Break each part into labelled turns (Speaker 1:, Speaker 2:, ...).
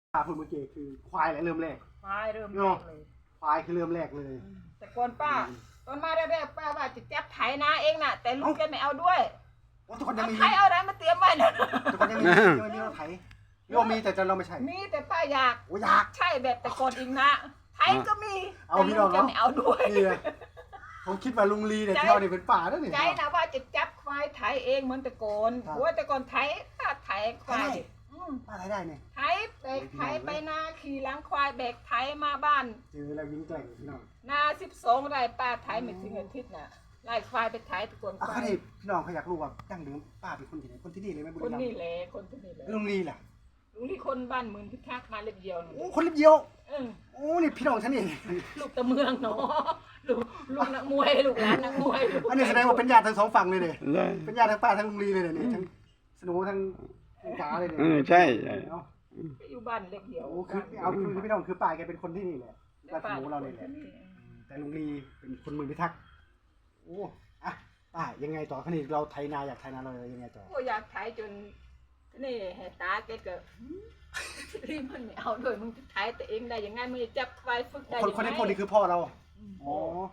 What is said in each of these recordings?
Speaker 1: พูดเมื่อกี้คือควายแหละเริ่มแรก
Speaker 2: ควายเริ่มแรกเลย
Speaker 1: ควายคือเริ่มแรกเลย
Speaker 2: แต่ก่อนป้าตอนมาแรกๆป้าว่าจะจับไถนาเองน่ะแต่ลูกแกไม่เอาด้วย
Speaker 1: ทุกคนยังมี
Speaker 2: ไถเอาอะไรมาเตรียมไว้นะ
Speaker 1: ทุกคนยังมีรถไถเรามีแต่เราไม่ใช่
Speaker 2: มีแต่ป้าอยากใช่แบบแต่ก่อนอีกนะไถก็มี
Speaker 1: เอาพี่น้อง
Speaker 2: ไม่เอาด้วย
Speaker 1: ผมคิดว่าลุงลีเนี่ยเที่ยวนี่เป็นป่าแล้วนี่
Speaker 2: ใจนะว่าจะจับควายไถเองเหมือนแต่ก่อนเพราะว่าแต่ก่อนไถควาย
Speaker 1: ป้าไถได้เนี่ย
Speaker 2: ไถแบกไถไปนาขี่หลังควายแบกไถมาบ้าน
Speaker 1: เจอแล้ววิ่งแกล้งพี่น้อง
Speaker 2: นา12 ไร่ป้าไถไม่ถึงอาทิตย์น่ะไล่ควายไปไถตะโกนควาย
Speaker 1: พี่น้องเขาอยากรู้ว่าดั้งเดิมป้าเป็นคนที่ไหนคนที่นี่เลยไหมบุรีรัมย์
Speaker 2: คนนี่แหละคนที่นี่แหละ
Speaker 1: ลุงลีล่ะ
Speaker 2: ลุงลีคนบ้านหมื่นพิทักษ์มาเล็บเดียว
Speaker 1: โอ้คนเล็บเดียวโอ้นี่พี่น้องฉันนี่
Speaker 2: ลูกตะเมืองเนาะลูกนักมวยลูกหลานนักมวย
Speaker 1: อันนี้แสดงว่าเป็นญาติทั้งสองฝั่งเลยเนี่ยเป็นญาติทั้งป้าทั้งลุงลีเลยเนี่ยทั้งสนุทั้งจ๋าเลยเนี่ย
Speaker 3: ใช่
Speaker 2: อยู่บ้านเล็กเดียว
Speaker 1: คือคือพี่น้องคือป้าแกเป็นคนที่นี่แหละป้าสนุเราเนี่ยแหละแต่ลุงลีเป็นคนเมืองพิทักษ์โอ้อะป้ายังไงต่อคะนี่เราไถนาอยากไถนาเรายังไงต่อ
Speaker 2: โอ้อยากไถจนนี่ให้ตาแกก็รีบมันไม่เอาด้วยมึงจะไถแต่เองได้ยังไงมึงจะจับควายฝึกได้
Speaker 1: คนที่พูดนี่คือพ่อเราอ๋อ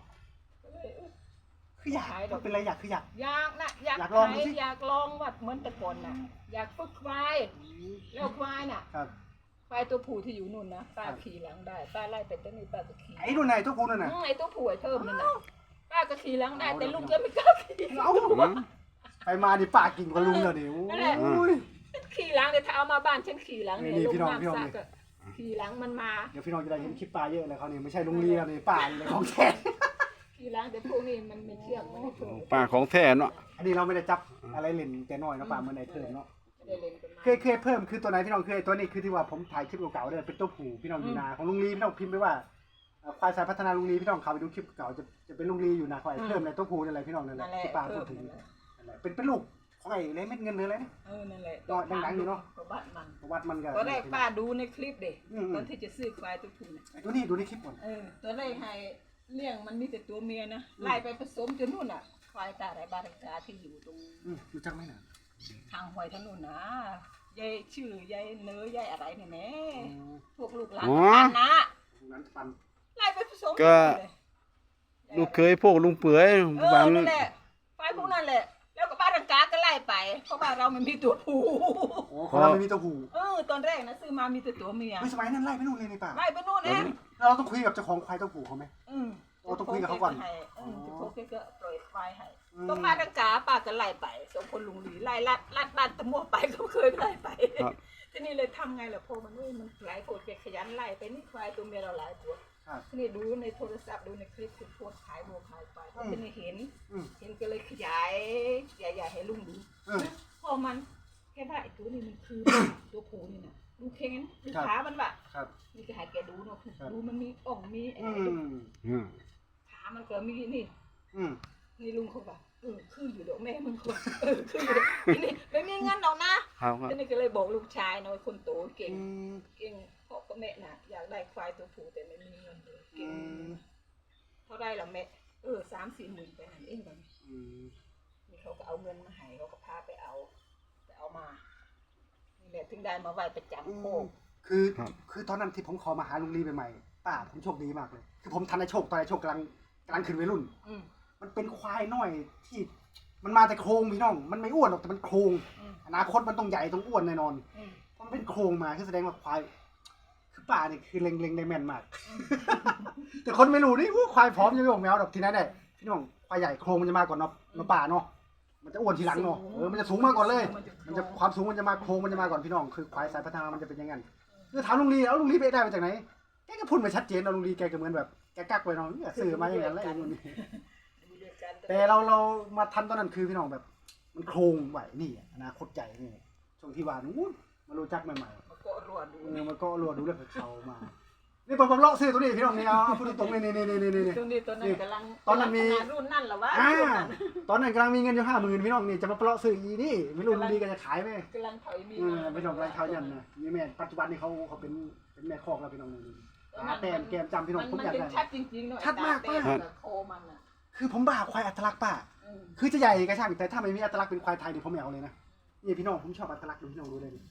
Speaker 1: คืออยากเป็นอะไรอยากคืออยาก
Speaker 2: นะอยากไถอยากลองว่าเหมือนแต่ก่อนน่ะอยากฝึกควายแล้วควายน่ะควายตัวผู้ที่อยู่นู่นนะป้าขี่หลังได้ป้าไล่ไปตั้งนี่ป้าก็ขี่
Speaker 1: ไอ้นู่นไหนตัวผู้นั่นน่ะ
Speaker 2: ไอ้ตัวผู้ไอ้เพิ่มนั่นน่ะป้าก็ขี่หลังได้แต่ลุงแกไม่กล้าขี่
Speaker 1: ไปมาดิป้ากิ่งกับลุงเลยดิโอ้ย
Speaker 2: ขี่หลังเนี่ยถ้าเอามาบ้านฉันขี่หลังเนี่ยลุงนั่งซักขี่หลังมันมา
Speaker 1: เดี๋ยวพี่น้องจะได้เห็นคลิปป้าเยอะเลยเขาเนี่ยไม่ใช่ลุงเลียนี่ป้าเลยของแท้
Speaker 2: ขี่หลังแต่พวกนี้มันไม่เชื่องมันไม่ถูก
Speaker 3: ป้าของแท้เนาะ
Speaker 1: อันนี้เราไม่ได้จับอะไรเล่นแต่น้อยนะป้าเมื่อไหร่เพิ่มเนาะเคยเพิ่มคือตัวไหนพี่น้องเคยตัวนี้คือที่ว่าผมถ่ายคลิปเก่าๆเลยเป็นตัวผู้พี่น้องอยู่นาของลุงลีพี่น้องพิมพ์ไปว่าควายสายพัฒนาลุงลีพี่น้องเขาไปดูคลิปเก่าจะเป็นลุงลีอยู่นาควายเพิ่มในตัวผู้อะไรพี่น้องนั่นแหละที่ป้าพูดถึงนั่นแหละเป็นลูกของไอ้เล็เม็ดเงินเลยอะไรนี่
Speaker 2: นั่นแหละ
Speaker 1: ดังๆอยู่เนาะ
Speaker 2: ประ
Speaker 1: วัดมันก็
Speaker 2: ตอนแรกป้าดูในคลิปเด็กตอนที่จะซื้อควายตัวผู้
Speaker 1: ตัวนี้ดูในคลิปก่อน
Speaker 2: ตอนแรกให้เลี้ยงมันมีแต่ตัวเมียนะไล่ไปผสมจนนู่นอ่ะควายตาไรบ้านตาที่อยู่ตรง
Speaker 1: รู้จักไหมน่ะ
Speaker 2: ทางหอยถนนนะยายชื่อยายเนื้อยายอะไรเนี่ยแม่พวกลูกหลานนะไล่ไปผสม
Speaker 3: ก็ลูกเคยพวกลุงเปื่อย
Speaker 2: บ้านนั่นแหละไปพวกนั้นแหละแล้วก็บ้านรังกาก็ไล่ไปเพราะว่าเรามันมีตัวผู้
Speaker 1: เราไม่มีตัวผู้
Speaker 2: ตอนแรกนะซื้อมามีแต่ตัวเมีย
Speaker 1: ไม่สมัยนั้นไล่ไปนู่นเลยในป่า
Speaker 2: ไล่ไปนู่นเอง
Speaker 1: เราต้องคุยกับเจ้าของควายตัวผู้เขาไหมเราต้องคุยกับเขาก่อน
Speaker 2: จะโทรก็ปล่อยควายให้ก็บ้านรังกาป้าก็ไล่ไปสองคนลุงหลีไล่ลัดบ้านตะมั่วไปเขาเคยไล่ไปทีนี้เลยทำไงล่ะพอมันหลายคนขยันไล่ไปนี่ควายตัวเมียเราหลายตัวทีนี้ดูในโทรศัพท์ดูในคลิปคือโพสขายโมขายไปทีนี้เห็นก็เลยขยายให้ลุงดูพอมันแค่ว่าไอ้ตัวนี้มันคือตัวผู้นี่นะดูเค้นดูขามันแบบนี่จะให้แกดูเนาะดูมันมีอ่องมีขามันก็มีนี่ลุงเขาแบบคืออยู่เดี๋ยวแม่มึงคนคืออยู่นี่ไม่มีเงินหรอกนะทีนี้ก็เลยบอกลูกชายน้อยคนโตเก่งพ่อกับแม่น่ะอยากได้ควายตัวผู้แต่ไม่มีเงินเลยเก่งเท่าไรล่ะแม่3-4 หมื่นไปไหนเองแบบนี่เขาก็เอาเงินมาให้เขาก็พาไปเอามานี่แหละถึงได้มาไหวประจำโคก
Speaker 1: คือตอนนั้นที่ผมขอมาหาลุงลีใหม่ๆป้าผมโชคดีมากเลยคือผมทันในโชคตอนในโชคกำลังขึ้นวัยรุ่นมันเป็นควายน้อยที่มันมาแต่โครงพี่น้องมันไม่อ้วนหรอกแต่มันโครงอนาคตมันต้องใหญ่ต้องอ้วนแน่นอนมันเป็นโครงมาคือแสดงว่าควายคือป่าเนี่ยคือเล็งได้แม่นมากแต่คนไม่รู้นี่ควายพร้อมจะไม่บอกแมวหรอกทีนั้นได้พี่น้องควายใหญ่โครงมันจะมาก่อนเนาะป่าเนาะมันจะอ้วนทีหลังเนาะมันจะสูงมาก่อนเลยมันจะความสูงมันจะมาโครงมันจะมาก่อนพี่น้องคือควายสายพัฒนามันจะเป็นยังไงคือถามลุงลีแล้วลุงลีไปได้มาจากไหนแกก็พูดไม่ชัดเจนนะลุงลีแกก็เหมือนแบบแกกักไว้เนาะสื่อมาอย่างนั้นแหละลุงลีแต่เรามาทันตอนนั้นคือพี่น้องแบบมันโครงไหวนี่อนาคตใหญ่นี่ช่วงที่ว่านู้นมารู้จักใหม่ๆ
Speaker 2: มันก็รัวดู
Speaker 1: เรื่องเขามานี่ผมเลาะซื้อตัวนี้พี่น้องนี่เอาพูดตรงๆนี่
Speaker 2: ตอนนั้นกำลัง
Speaker 1: ตอนนั้นมี
Speaker 2: รุ่นนั่นหรอวะ
Speaker 1: ตอนนั้นกำลังมีเงินอยู่50,000พี่น้องนี่จะมาเลาะซื้ออีนี่ไม่รู้ดีกันจะขายไหม
Speaker 2: กำลังถอยมี
Speaker 1: พี่น้องกำลังเขายันนะนี่แม่ปัจจุบันนี้เขาเป็นแม่คอกแล้วพี่น้องนี่แต้มแกมจำพี่น้องผมอยากได้
Speaker 2: ชัดจริงๆเนาะ
Speaker 1: ชัดมากป้า
Speaker 2: โคมันอ่ะ
Speaker 1: คือผมบ้าควายอัตลักษณ์ป้าคือจะใหญ่ก็ช่างแต่ถ้าไม่มีอัตลักษณ์เป็นควายไทยนี่ผมไม่เอาเลยนะนี่พี่น้องผมชอบอัตลักษณ์ดูพี่น้องดูเลย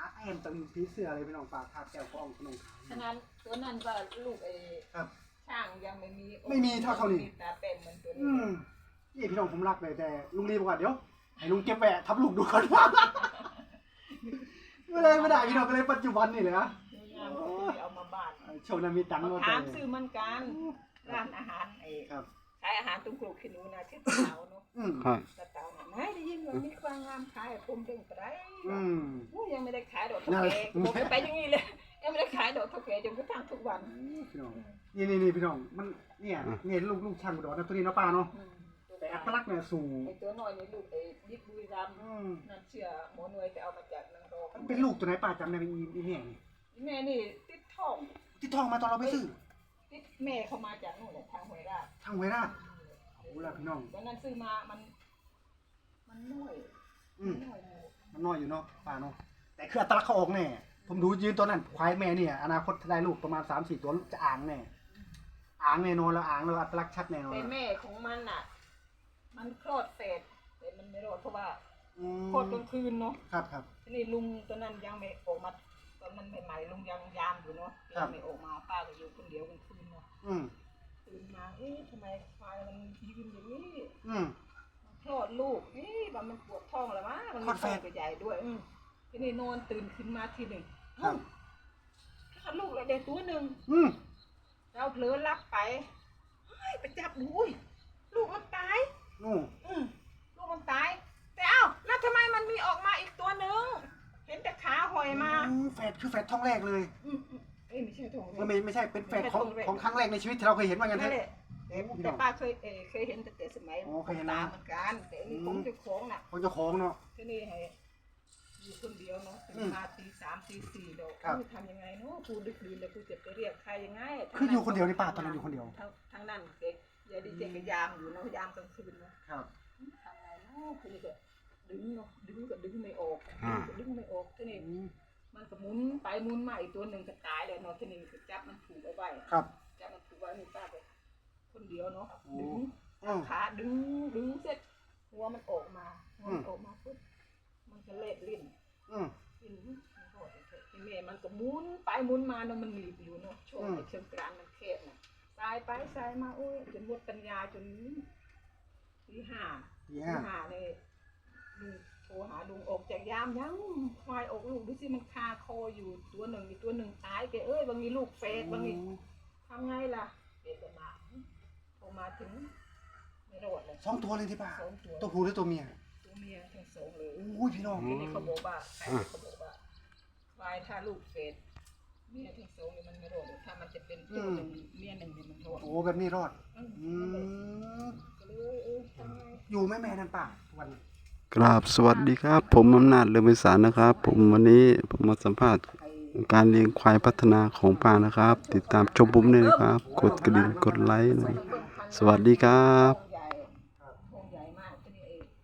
Speaker 1: เต็มตะลิงผีเสื้ออะไรพี่น้องปลาคาบแก้วกองขนมขาย
Speaker 2: ฉะนั้นตัวนั้นก็ลูก
Speaker 1: ครับ
Speaker 2: ช่างยังไม่มี
Speaker 1: ไม่มีเท่าเขานี่
Speaker 2: มีตาเป็นเหมือนตัว
Speaker 1: อื
Speaker 2: นี้
Speaker 1: มนี่พี่น้องผมรักเลยแต่ลุงรีบอกว่าเดี๋ยวให้ลุงเก็บแหวะทับลูกดูก่อน ไม่ได้พี่น้องก็เลยปัจจุบันนี่เลยนะ
Speaker 2: งามก็คือเอามาบ้าน
Speaker 1: โชว์นามีตังค์
Speaker 2: มา
Speaker 1: มา
Speaker 2: ถามซื้อมันกันร้านอาหาร
Speaker 1: ครับ
Speaker 2: ขายอาหารตรงกรุกขี้หนูนะที่ตะเตาเนาะ
Speaker 1: อืม
Speaker 3: ครับ
Speaker 2: ตะเตาน่ะไม่ได้ยินว่ามีความงามขายผมเด้งไปได้
Speaker 1: อืม
Speaker 2: ยังไม่ได้ขายดอก
Speaker 1: นั่
Speaker 2: เท่าน
Speaker 1: แหละ
Speaker 2: แก่ผมไปอย่างนี้เลยยังไม่ได้ขายดอกเท่าแก่จนกระทั่งทุกวัน
Speaker 1: พี่น้องนี่พี่น้องมันเนี่ยลูกช่างอุดรนะตัวนี้เนาะป้าเนาะแต่อัตลักษณ์เนี่ยสูง
Speaker 2: ไอ้ตัวน้อยนี่ลูกไอ้ยิบบุรีรัมย์
Speaker 1: อืม
Speaker 2: นั่นเชื่อหมอหน่วยไปเอามาจากนางรอง
Speaker 1: มันเป็นลูกตัวไหนป้าจำได้ไหมอีเนี่ยนี่
Speaker 2: แม่นี่ติดท้อง
Speaker 1: ที่ทองมาตอนเราไปซื้อ
Speaker 2: ติดแม่เขามาจากนู่นแหละทางห้วยราช
Speaker 1: ทางเวราชโอ้ล่ะพี่น้อง
Speaker 2: วันนั้นซื้อมามันน้อย
Speaker 1: อืม
Speaker 2: น้อยอยู่
Speaker 1: มันน้อยอยู่เนาะป้าเนาะแต่คืออัตลักษณ์เขาออกแน่ผมดูยืนตัวนั้นควายแม่เนี่ยอนาคตได้ลูกประมาณ 3-4 ตัวจะอ่างแน่อ่างแน่นอนแล้วอ่างแล้วอัตลักษณ์ชัดแน่นอน
Speaker 2: แต่แม่ของมันอ่ะ มันคลอดเสร็จแต่มันไม่รอดเพราะว่า
Speaker 1: อืม
Speaker 2: คลอดกลางคืนเนาะ
Speaker 1: ครับ
Speaker 2: ทีนี้ลุงตัวนั้นยังไม่ออกมาตอนนั้นใหม่ๆลุงยังยามอยู่เนาะ
Speaker 1: ครั
Speaker 2: ยั
Speaker 1: บ
Speaker 2: งไม่ออกมาป้าก็อยู่คนเดียวกลางคืนเนาะ
Speaker 1: อืม
Speaker 2: ตื่นมาทำไมควายมันยืนอย่างนี้
Speaker 1: อืม
Speaker 2: มันคลอดลูกว่ามันปวดท้องแล้ววะมัน
Speaker 1: คลอดแฝ
Speaker 2: ท้อ
Speaker 1: ด
Speaker 2: งก็ใหญ่ด้วยทีนี้นอนตื่นขึ้นมาทีหนึ่ง
Speaker 1: ครับ
Speaker 2: คลอดลูกเลยเด็กตัวหนึ่ง
Speaker 1: อืม
Speaker 2: เราเผลอรับไปเฮ้ยไปจับดูอุ้ยลูกมันตาย
Speaker 1: นู่น
Speaker 2: ลูกมันตาย แต่เอ้าแล้วทำไมมันมีออกมาอีกตัวหนึ่งเห็นแต่ขาหอยมา
Speaker 1: แฝดคือแฝดท้องแรกเลย
Speaker 2: ไม่ใช่ทอง
Speaker 1: ไม่ใช่เป็นแฝดของครั้งแรกในชีวิตที่เราเคยเห็นว่างั้น
Speaker 2: นั่
Speaker 1: เถ
Speaker 2: นแห
Speaker 1: อะ
Speaker 2: ละแต่ป้าเคยเห็นแต่สมัย
Speaker 1: อ๋อเคยเห็นนะ
Speaker 2: ตาเหมือนกันแต่อันนี่ผมเจะคล้าของน่ะ
Speaker 1: ของเจ้าของเนาะ
Speaker 2: ที่นี่ให้อยู่คนเดียวเนาะถึง
Speaker 1: อืม
Speaker 2: มาตีสามตีสี่ดอก
Speaker 1: ครับ
Speaker 2: กูทำยังไงเนาะกูดึกดื่นแล้วกูจะไปเรียกใครยังไง
Speaker 1: คืออยู่คนเดียวในป่าตอนนั้นอยู่คนเดียว
Speaker 2: ทางนั้นเด็กยายดีเจก็ยามอยู่เนาะยามกลางคืนเนาะ
Speaker 1: ครับ
Speaker 2: ทำไงเนาะคือนี่ก็ดึงเนาะดึงก็ดึงไม่ออก
Speaker 3: อ่า
Speaker 2: ดึงไม่ออกที่นี่มันก็หมุนไปหมุนมาอีกตัวหนึ่งก็ตายเลยเนาะที่นี่ก็จับมันผูกเอาไว้
Speaker 1: ครับ
Speaker 2: จับมันผูกไว้นี่ป้าไปคนเดียวเนาะ
Speaker 1: โอ้
Speaker 2: ดึง
Speaker 1: อืม
Speaker 2: ขาดึงเสร็จหัวมันออกมาหัวมันออกมาปุ๊บมันก็เล็ดลิ้น
Speaker 1: อืม
Speaker 2: ลิ้นมันโหดไอ้แม่มันก็หมุนไปหมุนมาเนาะมันหนีบอยู่เนาะช่วงไอ้เชิงกรานมันแคบน่ะสายไปสายมาโอ้ยจนหมดปัญญาจนตีห้า
Speaker 1: ดีฮะ
Speaker 2: หาเลยลุงโทรหาลุงออกจากยามยังควายออกลูกดูสิมันคาคออยู่ตัวหนึ่งอีกตัวหนึ่งตายแกบางทีลูกเฟสบางทีทำไงล่ะเด็กมาโทรมาถึงไม่รอดเลย
Speaker 1: สองตัวเลยที่ป่า
Speaker 2: สองตัว
Speaker 1: ตัวผู้หรือตัวเมีย
Speaker 2: ตัวเมียทั้งสองเลย
Speaker 1: อุ้ยพี่น้อง
Speaker 2: ทีนี้เขาบอกว่าเขาบอกว่าควายถ้าลูกเฟสเมียทั้งสองเนี่ยมันไม่รอดถ้ามันจะเป็นตัวหนึ่งเมียหนึ่งเนี่ยมันรอด
Speaker 1: โอ้แบบนี้รอด อืม
Speaker 2: ก็เลยทำไง
Speaker 1: อยู่แม่นั่นป่าทุกวันนี้
Speaker 3: กราบสวัสดีครับ ผมอำนาจเลือมไพศาลนะครับ ผมวันนี้ผมมาสัมภาษณ์การเลี้ยงควายพัฒนาของป้านะครับ ติดตามชมผมเลยนะครับ กดกระดิ่งกดไลค์หน่อยสวัสดีครับ